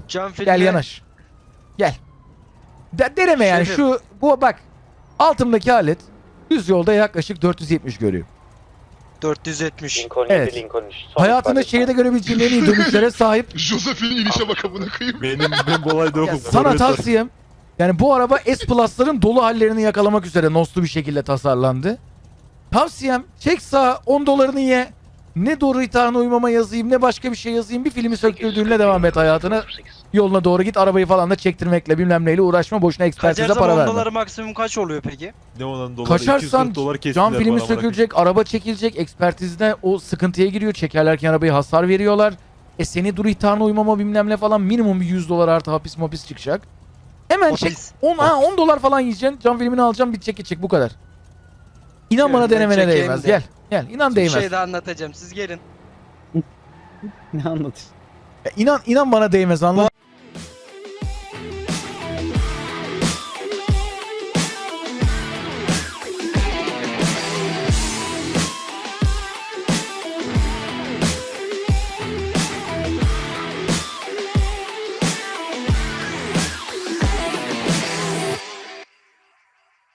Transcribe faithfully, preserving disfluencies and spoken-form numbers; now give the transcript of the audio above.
Cam filmi. Gel yanaş. Gel. De deneme yani Şefim. şu bu bak. Altımdaki alet düz yolda yaklaşık dört yüz yetmiş görüyor. dört yüz yetmiş. Lincoln Evet. yedi, Lincoln üç. Son Hayatında ifade. şehirde görebileceğin en iyi dönüşlere sahip. Josephine inişe bak amına koyayım. Benim ben bu olayda yokum. Sana tavsiyem. Yani bu araba S Plus'ların dolu hallerini yakalamak üzere noslu bir şekilde tasarlandı. Tavsiyem çek sağa on dolarını ye. Ne doğru ithana uymama yazayım ne başka bir şey yazayım. Bir filmi söktürdüğünle devam et hayatına. Yoluna doğru git, arabayı falan da çektirmekle bilmem neyle uğraşma, boşuna ekspertize Kaçarsam para on verme. doları maksimum kaç oluyor peki? Ne olan dolar? Kaçarsan iki yüz kırk dolar kestiler cam filmi bana, bana. sökülecek, araba çekilecek, ekspertizde o sıkıntıya giriyor. Çekerlerken arabayı hasar veriyorlar. E seni dur ithana uymama bilmem ne falan minimum bir yüz dolar artı hapis mapis çıkacak. Hemen çek. Hapis. on, ha, on dolar falan yiyeceksin. Cam filmini alacaksın, bitecek geçecek bu kadar. İnan Şöyle bana ben denemene çekeyim değmez. de. Gel. Gel. İnan Bir değmez. şey daha anlatacağım. Siz gelin. Ne anlatıyorsun? Ya İnan inan bana değmez, anladın